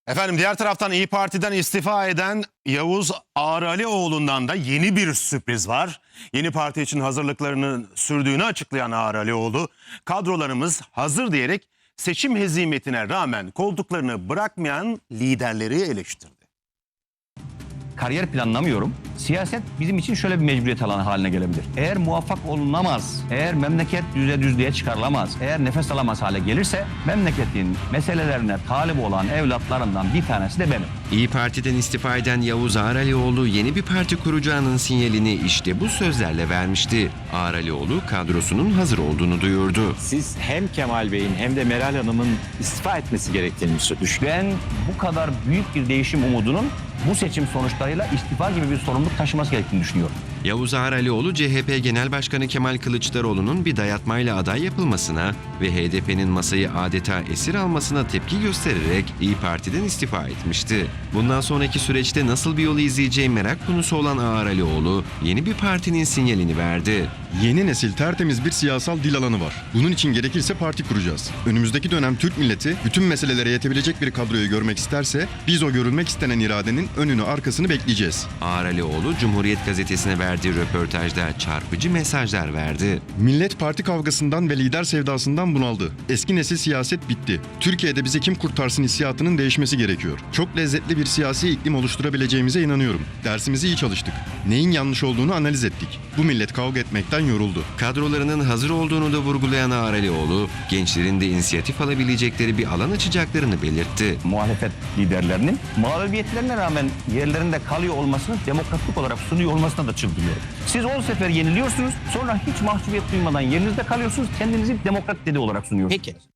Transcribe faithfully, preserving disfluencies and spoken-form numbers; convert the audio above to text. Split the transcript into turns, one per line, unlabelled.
Efendim diğer taraftan İyi Parti'den istifa eden Yavuz Ağralioğlu'ndan da yeni bir sürpriz var. Yeni parti için hazırlıklarını sürdüğünü açıklayan Ağralioğlu, kadrolarımız hazır diyerek seçim hezimetine rağmen koltuklarını bırakmayan liderleri eleştirdi.
Kariyer planlamıyorum. Siyaset bizim için şöyle bir mecburiyet alanı haline gelebilir. Eğer muvaffak olunamaz, eğer memleket düze düzlüğe çıkarılamaz, eğer nefes alamaz hale gelirse memleketin meselelerine talip olan evlatlarından bir tanesi de benim.
İyi Parti'den istifa eden Yavuz Ağralioğlu yeni bir parti kuracağının sinyalini işte bu sözlerle vermişti. Ağralioğlu kadrosunun hazır olduğunu duyurdu.
Siz hem Kemal Bey'in hem de Meral Hanım'ın istifa etmesi gerektiğini düşünüyorsunuz.
Ben bu kadar büyük bir değişim umudunun bu seçim sonuçlarıyla istifa gibi bir sorumluluk taşıması gerektiğini düşünüyorum.
Yavuz Ağralioğlu, C H P Genel Başkanı Kemal Kılıçdaroğlu'nun bir dayatmayla aday yapılmasına ve H D P'nin masayı adeta esir almasına tepki göstererek İyi Parti'den istifa etmişti. Bundan sonraki süreçte nasıl bir yolu izleyeceği merak konusu olan Ağralioğlu, yeni bir partinin sinyalini verdi.
Yeni nesil tertemiz bir siyasal dil alanı var. Bunun için gerekirse parti kuracağız. Önümüzdeki dönem Türk milleti bütün meselelere yetebilecek bir kadroyu görmek isterse biz o görülmek istenen iradenin önünü arkasını bekleyeceğiz.
Ağralioğlu, Cumhuriyet Gazetesi'ne verdiği röportajda çarpıcı mesajlar verdi.
Millet parti kavgasından ve lider sevdasından bunaldı. Eski nesil siyaset bitti. Türkiye'de bizi kim kurtarsın hissiyatının değişmesi gerekiyor. Çok lezzetli bir siyasi iklim oluşturabileceğimize inanıyorum. Dersimizi iyi çalıştık. Neyin yanlış olduğunu analiz ettik. Bu millet kavga etmekten yoruldu.
Kadrolarının hazır olduğunu da vurgulayan Ağralioğlu, gençlerin de inisiyatif alabilecekleri bir alan açacaklarını belirtti.
Muhalefet liderlerinin mağlubiyetlerine rağmen yerlerinde kalıyor olmasını, demokratik olarak sunuyor olmasına da çıldırıyorum. Siz on sefer yeniliyorsunuz, sonra hiç mahcubiyet duymadan yerinizde kalıyorsunuz, kendinizi demokrat dedi olarak sunuyorsunuz.
Peki.